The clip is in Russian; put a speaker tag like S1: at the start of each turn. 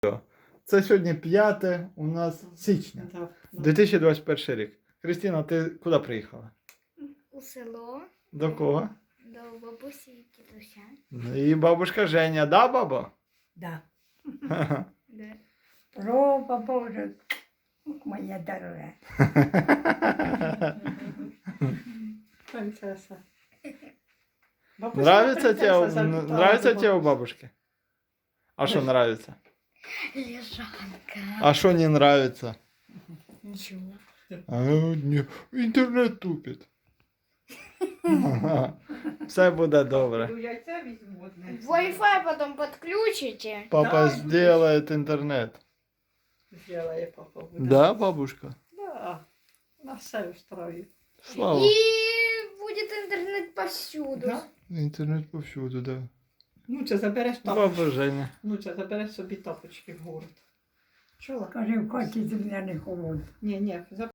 S1: Це сьогодні 5 у нас січня, 2021 рік. Христина, ти куди приїхала?
S2: У село
S1: До кого?
S2: до бабусі і дідуся.
S1: І бабушка Женя, да, баба?
S3: Да.
S2: Де?
S3: Проба Боже, моя дорога.
S4: Принцеса.
S1: Нравится тебе у бабушки? А что нравится?
S2: Лежанка.
S1: А что не нравится?
S2: Нічого.
S1: Інтернет тупить. Все буде добре.
S4: Яйця візьму одне.
S2: Wi-Fi потом подключите.
S1: Папа
S4: Да,
S1: сделает интернет.
S4: Зробила папа. буде.
S1: Да, бабушка?
S4: Да. На все устроїть.
S1: Слава.
S2: И будет интернет повсюду.
S4: Да?
S1: Интернет повсюду, да.
S4: Ну, це забереш тапочки.
S1: Баба Женя.
S4: Ну, це забереш собі тапочки в город. Чула?
S3: Каже, в хаті земля не холодна.
S4: Ні,